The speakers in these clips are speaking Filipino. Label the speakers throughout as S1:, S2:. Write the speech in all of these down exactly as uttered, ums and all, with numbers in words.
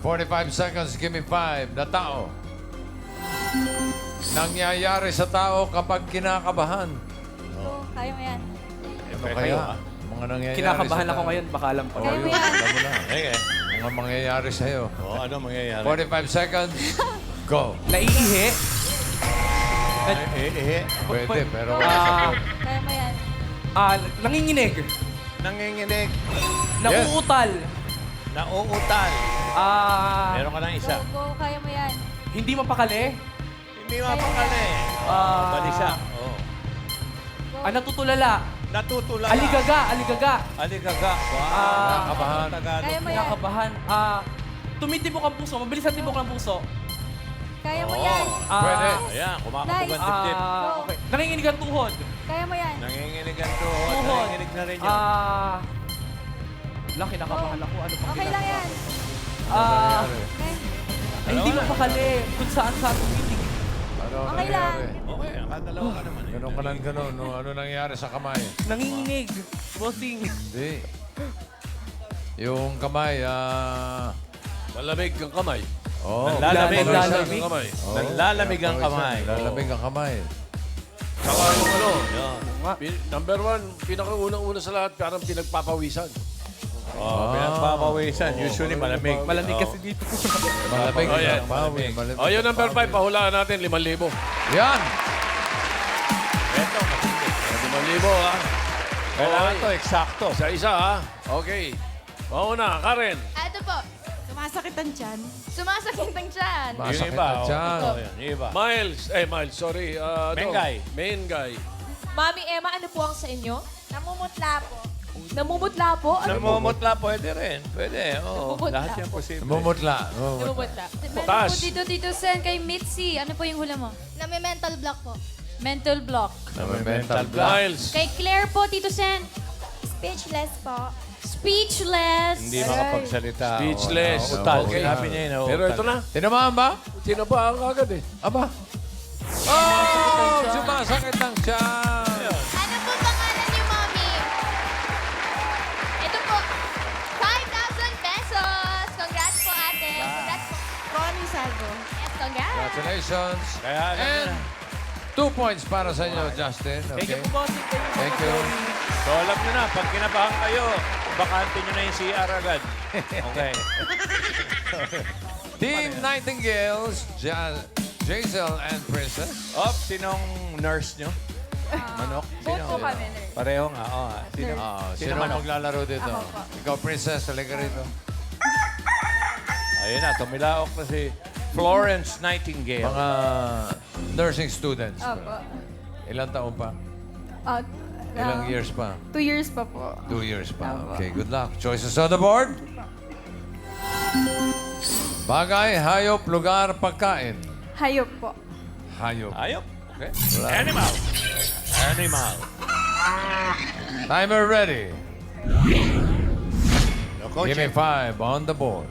S1: forty-five seconds, give me five. Na tao. Nangyayari sa tao kapag kinakabahan.
S2: Go, kaya mo yan.
S1: Ano
S3: Okay,
S1: kaya?
S3: kayo, ha?
S1: Mga nangyayari
S4: Kinakabahan
S1: sa
S4: ako
S1: tao.
S4: ngayon, baka alam pa.
S1: Oh,
S2: Kaya mo
S1: yun.
S2: yan.
S1: Alam mo na.
S3: Okay.
S1: Mga mangyayari sa'yo.
S3: Oh, ano mangyayari?
S1: forty-five seconds, go.
S4: Naiihi.
S3: Eh, eh, eh.
S1: Pwede, pero
S4: Ah.
S1: wala sagot.
S2: Kaya mo yan.
S4: Ah, nanginginig.
S3: Nanginginig.
S4: Nauutal.
S3: Nauutal.
S4: Ah,
S3: Meron ka ng
S2: Go,
S3: isa.
S2: go, kaya mo yan.
S4: hindi mapakali.
S3: Hindi mapakali.
S4: Ah,
S3: Balisa. Oh.
S2: Go.
S4: Ah, natutulala.
S3: Natutulala.
S4: Aligaga, aligaga.
S3: Aligaga. Wow.
S4: Ah,
S1: Kinakabahan.
S3: Tagalog.
S2: Kaya mo yan.
S4: Kinakabahan. Ah, tumitibok ang puso. Mabilis ang tibok ng puso.
S2: Kaya mo
S3: Oo.
S2: yan.
S4: Ah,
S1: Pwede.
S3: Ayan, kumakabog ang
S2: Nice.
S3: dibdib.
S4: Ah, okay. Nanginginig ang tuhod.
S2: Kaya mo yan.
S3: Nanginginig ang tuhod.
S4: Tuhod.
S3: Nanginginig na rin yun.
S4: Ah, lang, kinakabahan ako. Ano pang
S2: Okay lang
S4: ginagawa?
S2: yan.
S4: Ah,
S1: Nangyayari.
S2: Okay.
S4: ay, hindi mapakali. Kung saan saan tumitig.
S1: Ano
S2: Okay lang.
S1: nangyayari?
S3: Okay, nakadalawa ka naman. eh.
S1: Ganun ka lang ganun. No, ano nangyayari sa kamay?
S4: Nanginginig. Bossing.
S1: Hindi. Yung kamay, ah...
S5: Malamig ang kamay.
S1: Oh,
S3: Nanlalamig.
S4: Nanlalamig.
S5: ang kamay.
S1: Oh,
S3: Nanlalamig ang
S1: pawisan.
S3: kamay.
S1: Nanlalamig ang kamay.
S5: Saka yung ano,
S3: Yun.
S5: pin- number one, pinakaunang-una sa lahat, parang pinagpapawisan.
S3: Oh, pinagpapawisan. Usually malamig.
S4: Malamig
S3: Oo.
S4: kasi dito.
S1: Malamig.
S5: Oh, yan.
S1: ang pawis, malamig.
S5: O, yung number five, pahulaan natin, limang libo.
S1: Yan!
S3: Ito, matindi.
S5: Limang libo, ha?
S3: Kailangan
S5: Okay.
S3: to, eksakto.
S5: Isa-isa, ha? Okay. Mauna, Karen.
S6: Ah, ito po.
S2: Sumasakit ang tiyan.
S6: Sumasakit ang tiyan.
S3: Yung
S1: Masakit
S3: iba,
S1: ang
S3: oh.
S1: tiyan.
S3: Ito, yun. Yung iba.
S5: Miles, eh, Miles, sorry. Uh,
S3: Mengay.
S5: Mengay.
S6: Mami Emma, ano po ang sa inyo?
S2: Namumutla po.
S6: Namumutla po? Ano po?
S3: Namumutla, pwede rin. Pwede, oo.
S6: Namumutla
S3: Lahat yan
S6: po.
S3: posible.
S1: Namumutla. Namumutla.
S6: Namumutla.
S5: Taas.
S7: Dito, Tito Sen, kay Mitzi. Ano po yung hula mo?
S6: Na may mental block po.
S7: Mental block.
S1: May mental block.
S5: Miles.
S7: Kay Claire po, Tito Sen.
S2: Speechless po.
S7: Speechless.
S3: Hindi makapagsalita.
S5: Speechless.
S3: Oo, utal.
S1: Okay.
S3: Sinabi niya yun.
S5: Pero ito na,
S1: Tinamaan ba?
S5: sinabaan ka agad eh.
S1: Aba. Oh! Sumasakit ang tiyan.
S6: Ano po pangalan niyo, Mami? Ito po. five thousand pesos. Congrats po, ate. Congrats po.
S2: Connie Salvo.
S6: Yes, congrats.
S1: Congratulations.
S3: Kaya alam niyo
S1: And
S3: na.
S1: two points para sa inyo, Justin.
S4: Thank
S1: Okay.
S4: you po, bossing.
S1: Thank you.
S3: So alam nyo na, pag kinabahan kayo, bakante nyo na yung C R agad. Okay.
S1: Team Nightingales, ja Jaisel and Princess.
S3: Op, sinong nurse nyo? Manok? Sino?
S2: Both po kami, nurse.
S3: Pareho nga, oo. nga. Sino?
S1: Ah,
S3: Sino
S1: sino
S3: manok?
S1: maglalaro dito?
S2: Ako po.
S1: Ikaw, Princess, talaga rito.
S3: Ayun na, tumilaok na si Florence Nightingale.
S1: Mga nursing students.
S2: Opo.
S1: Ilang taon pa?
S2: Uh,
S1: Ilang years pa?
S2: Two years pa po.
S1: Two years pa.
S2: Opo.
S1: Okay, good luck. Choices on the board. Bagay, hayop, lugar, pagkain.
S2: Hayop po.
S1: Hayop.
S3: Ayop. Okay. Animal. Animal.
S1: Timer ready.
S3: No, coach.
S1: Give me five on the board.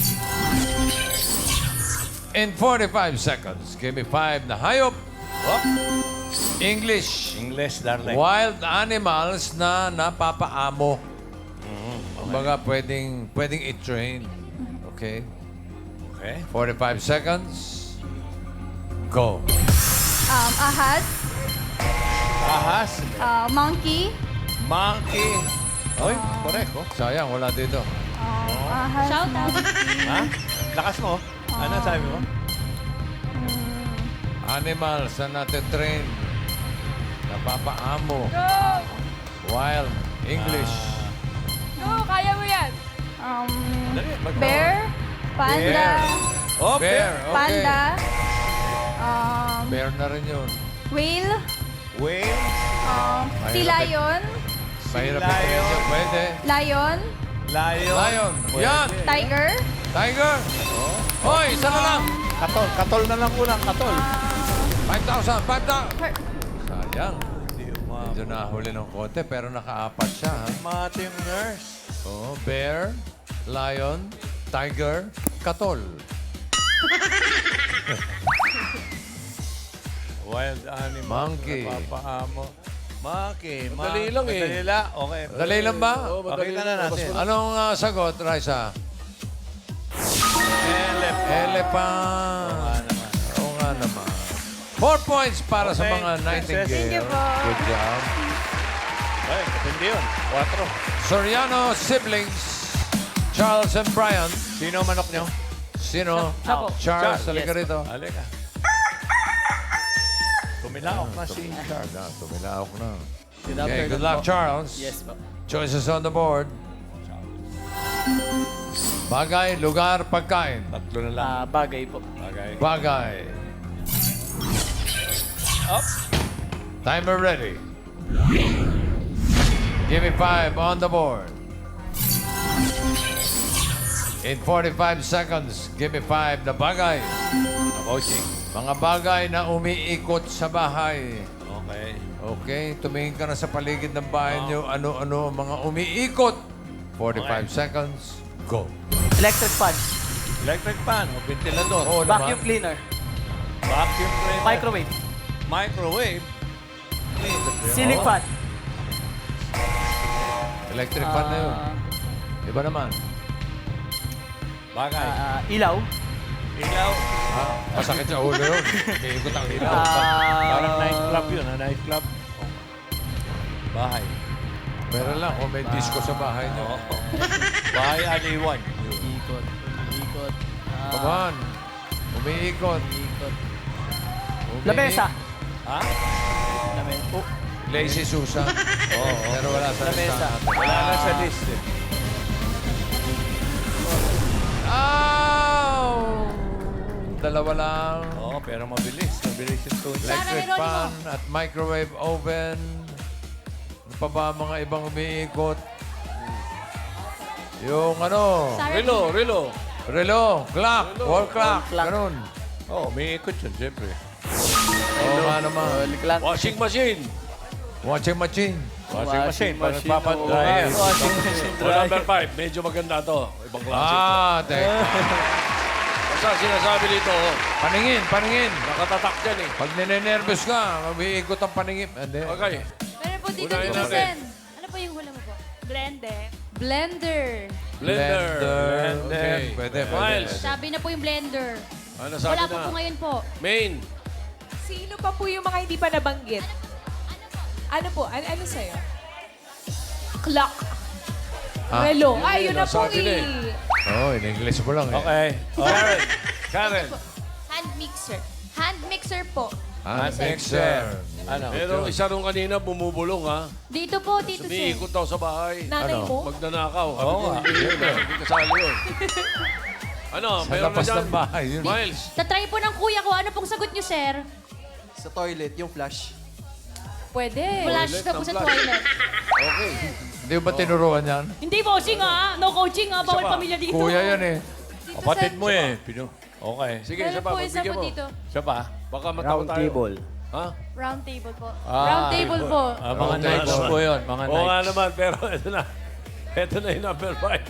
S1: In forty-five seconds, give me five na hayop.
S3: Op.
S1: English.
S3: English, darling.
S1: Wild animals na napapaamo.
S3: Mm-hmm.
S1: Kumbaga, pwedeng, pwedeng i-train. Okay?
S3: Okay.
S1: forty-five seconds. Go.
S2: Um, ahas.
S3: Ahas.
S2: Uh, monkey.
S3: Monkey. Oy, correct, oh.
S1: Sayang, wala dito.
S2: Um, ahas.
S7: Shout out.
S3: Ha? Lakas mo. Ano sabi mo?
S1: Animals na natin-train. Napapaamo. Wild. English.
S2: Go, kaya mo yan. Um,
S3: Dali, mag-
S2: bear. Panda.
S3: Oh,
S1: Bear. Okay.
S2: Panda. Um,
S1: Bear na rin yun.
S2: whale.
S3: Whale.
S2: Um, si lion.
S1: Mahirap
S3: Lion.
S1: i-train yun. Pwede.
S2: Lion.
S3: Lion.
S1: Lion.
S3: Pwede.
S1: Yan.
S2: Tiger.
S1: Tiger. Hoy, isa na lang.
S3: Katol. Katol na lang kulang. Katol.
S1: five thousand. five thousand.
S2: Her-
S1: Sayang.
S3: Hindi umabot.
S1: Medyo nahuli ng konti, pero nakaapat siya. Ha?
S3: Mati yung nurse.
S1: Oh, bear, lion, tiger, katol.
S3: Wild animal.
S1: Monkey.
S3: Napapaamo. Monkey.
S5: Madali lang eh.
S3: Madali lang. Okay.
S1: Dali lang ba?
S5: Oo, madali
S3: Pakita na
S5: lang.
S3: natin.
S5: Mas-
S1: Anong ah, sagot, Raisa? Pan.
S3: Oo nga naman.
S1: Oo nga naman. Four points para sa
S3: Okay,
S1: mga Nightingale.
S3: Thank
S2: you po.
S1: Good job.
S3: Ay, matindi yun. Quatro.
S1: Soriano siblings, Charles and Brian.
S3: Sino ang manok nyo?
S1: Sino?
S4: Siya po.
S1: Charles,
S4: Yes
S1: halika
S4: po.
S1: rito.
S3: Halika. Tumilaok na si Charles.
S1: Ah, tumilaok na.
S4: Good
S1: Okay,
S4: afternoon
S1: good luck,
S4: po.
S1: Charles.
S4: Yes po.
S1: Choices on the board. Bagay, lugar, pagkain.
S3: Tatlo na lang.
S4: Ah, bagay po.
S3: Bagay.
S1: Bagay.
S3: Up.
S1: Timer ready. Give me five on the board. In forty-five seconds, give me five na bagay.
S3: Coaching.
S1: Mga bagay na umiikot sa bahay.
S3: Okay.
S1: Okay, tumingin ka na sa paligid ng bahay niyo. Ano-ano ang mga umiikot. forty-five seconds, go.
S4: Electric fan.
S3: Electric fan o ventilador.
S1: Oo
S4: Vacuum
S1: naman.
S4: cleaner.
S3: Vacuum cleaner.
S4: Microwave.
S3: Microwave.
S4: Ceiling
S1: Oo.
S4: fan.
S1: Electric fan na yun.
S4: Ah,
S1: Iba naman.
S3: Bagay.
S4: ah, ilaw.
S3: Ilaw.
S1: Ah, masakit sa ulo yun. Umiikot ang ilaw.
S4: Ah,
S3: Parang nightclub yun, ha? Nightclub. Bahay.
S1: Meron lang kung may disco sa bahay niyo.
S3: Oo. Bahay aliwan.
S4: Ikot. Ikot. Ah,
S1: Come on. Umiikot.
S4: Ikot.
S1: Umiikot.
S4: Lamesa.
S3: Ha?
S4: Lamesa. Oh.
S1: Lazy Susan. Oo. Pero wala sa
S4: Lamesa.
S1: listahan.
S3: Wala na sa list eh.
S1: Ow! Dalawa lang.
S3: Oo, pero mabilis. Mabilis yung tunes.
S1: Electric
S7: Sarah
S1: fan at microwave oven. Ano pa ba ang mga ibang umiikot? Yung ano,
S7: Sarah
S5: Relo, relo.
S1: relo, clock, wall clock,
S4: clock.
S1: ganun.
S3: Oo, oh, umiikot yun, siyempre.
S1: Oo nga naman.
S4: Clock.
S5: Washing machine.
S1: Watching machine.
S3: Washing machine, pag
S4: machine,
S3: nagpapadryer.
S4: oh, Washing machine.
S5: O number five, medyo maganda to. Ibang klase ito.
S1: Ah, teka.
S5: Basta sinasabi dito, oh,
S1: Paningin, paningin.
S5: nakatatak dyan eh.
S1: Pag ninenervous ka, umiikot ang paningin. Hindi.
S5: Okay.
S7: Meron po dito,
S5: Unahin
S7: Tito
S5: natin.
S7: Sen. Ano po yung hula mo po? Blender. Blender.
S5: Blender.
S1: Okay, pwede, pwede.
S5: Miles.
S7: Sabi na po yung blender.
S5: Ano sabi
S7: Wala po
S5: na?
S7: po ngayon po.
S5: Main.
S8: Sino pa po yung mga hindi pa nabanggit? Ano po? Ano, ano sa'yo? Clock.
S1: Ah.
S8: Relo.
S5: Yun
S8: Ay,
S5: yun,
S8: yun na po
S5: nasabi na eh.
S8: eh.
S1: Oh, in English mo lang eh.
S3: Okay. Oh.
S5: Karen. Karen.
S6: Hand mixer. Hand mixer po.
S1: Hand
S3: mixer.
S1: mixer.
S3: Ano?
S5: Pero isa nung kanina bumubulong ha.
S7: Dito po, Tito Sen.
S5: Umiikot daw sa bahay.
S8: Nanay
S1: Ano?
S8: mo?
S5: Magnanakaw.
S3: Oo nga.
S5: Hindi hindi kasali yun. Ano,
S1: Sa
S5: meron na
S1: labas
S5: dyan.
S1: ng bahay. Yun.
S5: Miles.
S7: Tatry po ng kuya ko. Ano pong sagot niyo, sir?
S9: Sa toilet, yung flush.
S7: Pwede. Flash
S5: Toilet
S7: na po
S5: ng
S7: sa
S5: flash.
S7: toilet.
S5: Okay.
S1: Hindi ba tinuruan yan?
S7: Hindi bossing ah. No coaching ah. Bawal
S5: Isa pa.
S7: pamilya dito.
S1: Kuya yan eh.
S3: Kapatid mo eh. Pino. Okay.
S5: Sige,
S7: Meron
S5: isa pa.
S7: po, isa
S5: Pagbigyan
S7: po
S5: mo.
S7: dito.
S3: Siya pa?
S5: Baka matawa tayo. Ha?
S7: Round table po.
S3: Ah,
S7: Round table po.
S3: Ah, mga
S1: Round
S3: nights
S1: table.
S3: po yun. Mga
S5: Oo nga
S3: nights.
S5: naman, pero ito na. Ito na yung number five.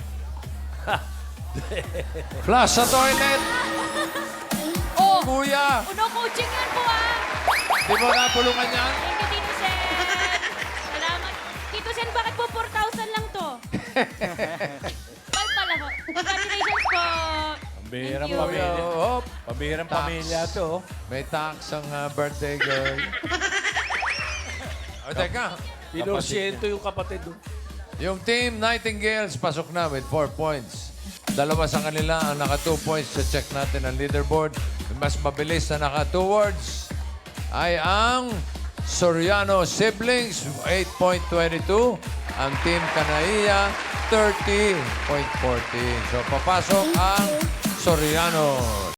S1: Flush sa toilet.
S7: Oh,
S1: Kuya,
S7: no coaching yan po ah.
S1: di mo napulungan yan?
S7: Thank you, Tito Sen. Salamat. Tito Sen, bakit po four thousand lang to? Five pala po. Congratulations po.
S3: Pambihirang
S7: Thank you.
S3: pamilya.
S1: Hop.
S3: Pambihirang
S1: Tax.
S3: pamilya to. oh.
S1: May tax ang ah, birthday girl. O, teka.
S5: Pinorsyento yung kapatid. oh.
S1: Yung team Nightingales pasok na with four points. Dalawa sa kanila ang naka two points. So check natin ang leaderboard. Yung mas mabilis na naka two words ay ang Soriano Siblings, eight point two two. Ang team Kanaiya, thirty point one four. So papasok ang Soriano